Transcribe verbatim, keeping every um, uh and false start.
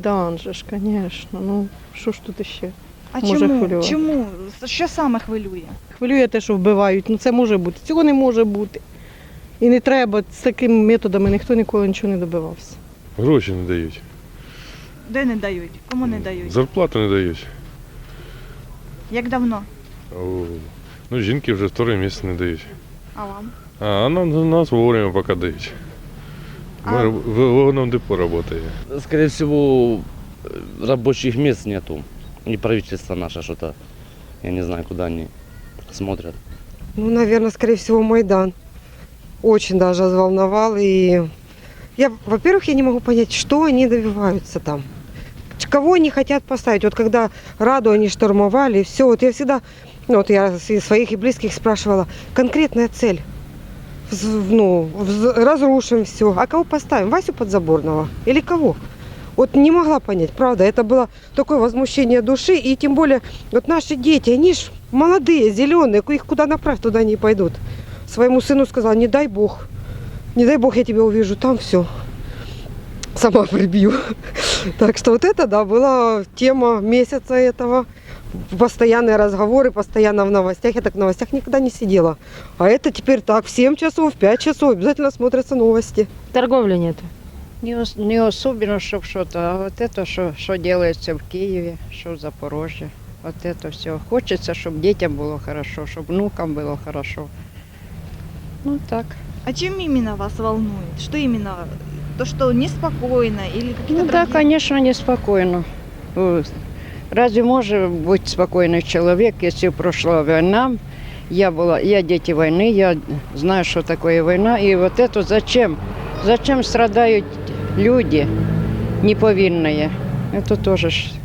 Майдан же ж, звісно. Ну, що ж тут ще? А Може чому? хвилювати. Чому? Що саме хвилює? Хвилює те, що вбивають. Ну це може бути. Цього не може бути. І не треба. З такими методами ніхто ніколи нічого не добивався. Гроші не дають. Де не дають? Кому не дають? Зарплату не дають. Як давно? О, ну, жінки вже второй місяць не дають. А вам? А, а нам, нас вовремя поки дають. Ми А- в вагонном депо працюємо. Скорее всего, рабочих мест нету. И правительство наше что-то, я не знаю, куда они смотрят. Ну, наверное, скорее всего, Майдан. Очень даже взволновал. И я, во-первых, я не могу понять, что они добиваются там. Кого они хотят поставить? Вот когда Раду они штурмовали, все, вот я всегда, ну, вот я и своих и близких спрашивала, конкретная цель. Вз- Ну, вз- разрушим все. А кого поставим? Васю Подзаборного? Или кого? Вот не могла понять, правда. Это было такое возмущение души. И тем более, вот наши дети, они ж молодые, зеленые, их куда направь, туда не пойдут. Своему сыну сказала, не дай Бог, не дай Бог я тебя увижу, там все. Сама прибью. Так что вот это, да, была тема месяца этого. Постоянные разговоры, постоянно в новостях. Я так в новостях никогда не сидела. А это теперь так, в семь часов, в пять часов обязательно смотрятся новости. Торговли нет. Не, ос- не особенно, чтобы что-то, а вот это, что, что делается в Киеве, что в Запорожье, вот это все. Хочется, чтобы детям было хорошо, чтобы внукам было хорошо. Ну так. А чем именно вас волнует? Что именно? То, что неспокойно или какие-то Ну да, другие? конечно, неспокойно. Э, Разве может быть спокойный человек, если прошла война? Я была, я дети войны, я знаю, что такое война. И вот это зачем? Зачем страдают люди неповинные? Это тоже ж